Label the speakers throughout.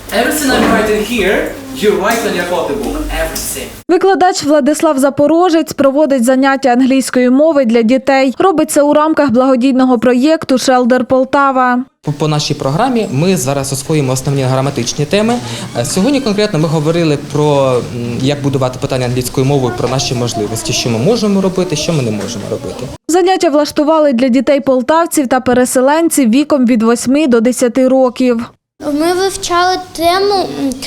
Speaker 1: Everything I'm writing here, you write on your copybook. Everything.
Speaker 2: Викладач Владислав Запорожець проводить заняття англійської мови для дітей. Робить це у рамках благодійного проєкту «Шелдер Полтава».
Speaker 3: По нашій програмі ми зараз освоїмо основні граматичні теми. Сьогодні конкретно ми говорили про як будувати питання англійською мовою, про наші можливості, що ми можемо робити, що ми не можемо робити.
Speaker 2: Заняття влаштували для дітей-полтавців та переселенців віком від 8 до 10 років.
Speaker 4: Ми вивчали тему,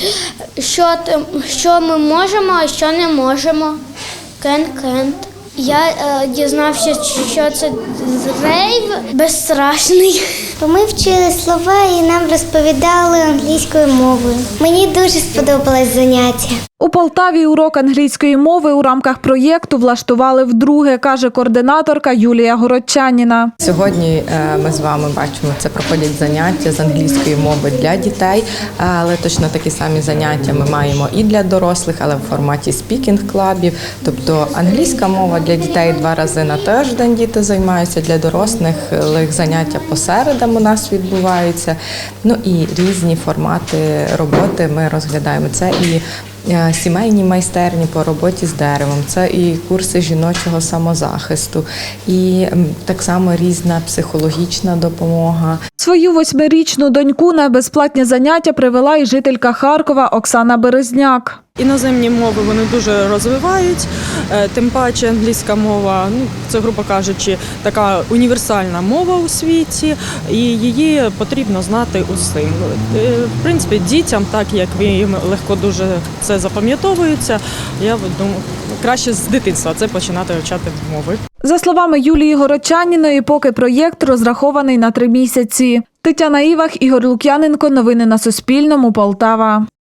Speaker 4: що ми можемо, а що не можемо. Can't. Я дізнався, що це рейв безстрашний.
Speaker 5: Ми вчили слова і нам розповідали англійською мовою. Мені дуже сподобалось заняття.
Speaker 2: У Полтаві урок англійської мови у рамках проєкту влаштували вдруге, каже координаторка Юлія Городчаніна.
Speaker 6: Сьогодні ми з вами бачимо, це проходять заняття з англійської мови для дітей, але точно такі самі заняття ми маємо і для дорослих, але в форматі спікінг-клабів. Тобто англійська мова для дітей 2 рази на тиждень діти займаються, для дорослих заняття по середам у нас відбуваються. Ну і різні формати роботи ми розглядаємо. Це і сімейні майстерні по роботі з деревом, це і курси жіночого самозахисту, і так само різна психологічна допомога.
Speaker 2: Свою 8-річну доньку на безплатні заняття привела і жителька Харкова Оксана Березняк.
Speaker 7: Іноземні мови вони дуже розвивають, тим паче англійська мова, це, грубо кажучи, така універсальна мова у світі, і її потрібно знати усім. В принципі, дітям, так як їм легко дуже це запам'ятовується, я думаю, краще з дитинства це починати вивчати мови.
Speaker 2: За словами Юлії Городчаніної, поки проєкт розрахований на 3 місяці. Тетяна Івах, Ігор Лук'яненко. Новини на Суспільному. Полтава.